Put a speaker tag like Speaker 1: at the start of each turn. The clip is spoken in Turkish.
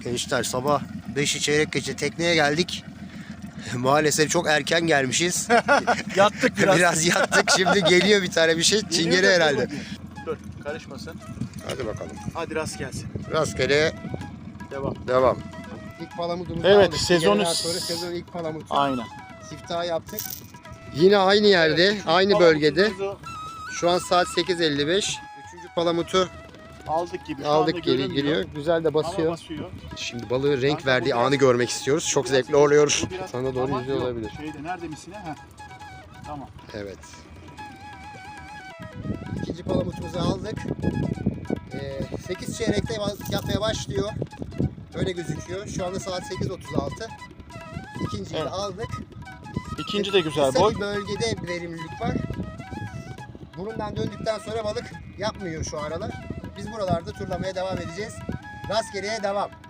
Speaker 1: Gençler sabah 5'i çeyrek geçe tekneye geldik. Maalesef çok erken gelmişiz.
Speaker 2: Yattık biraz.
Speaker 1: Biraz yattık. Şimdi geliyor bir tane bir şey. Çingene herhalde.
Speaker 2: Dur karışmasın.
Speaker 1: Hadi bakalım.
Speaker 2: Hadi rast gelsin.
Speaker 1: Rastgele devam. İlk palamutumuzu
Speaker 2: Evet,
Speaker 1: aldık.
Speaker 2: sezonun
Speaker 1: Sezon ilk palamutu.
Speaker 2: Aynen.
Speaker 1: Siftahı yaptık. Yine aynı yerde, aynı bölgede. Şu an saat 8:55. Üçüncü palamutu
Speaker 2: Aldık gibi. Şu
Speaker 1: aldık,
Speaker 2: anda
Speaker 1: geri
Speaker 2: görünmüyor.
Speaker 1: giriyor. Güzel de
Speaker 2: Ama
Speaker 1: basıyor.
Speaker 2: basıyor.
Speaker 1: Şimdi balığı renk
Speaker 2: Kanka,
Speaker 1: verdiği
Speaker 2: bu biraz-
Speaker 1: anı görmek istiyoruz. Çok
Speaker 2: Biraz-
Speaker 1: zevkli oluyor.
Speaker 2: bu biraz-
Speaker 1: Sana doğru
Speaker 2: Tamam,
Speaker 1: yüzüyor
Speaker 2: yok.
Speaker 1: olabilir.
Speaker 2: Şeyde nerede misine? Heh. Tamam.
Speaker 1: Evet. İkinci palamutumuzu aldık. 8 çeyrekte yapmaya başlıyor. Öyle gözüküyor. Şu anda saat 8:36. İkinciyi de
Speaker 2: Evet.
Speaker 1: aldık.
Speaker 2: İkinci de güzel
Speaker 1: Kısa
Speaker 2: boy.
Speaker 1: bir bölgede bir verimlilik var. Burundan döndükten sonra balık yapmıyor şu aralar. Biz buralarda turlamaya devam edeceğiz. Rastgeleye devam.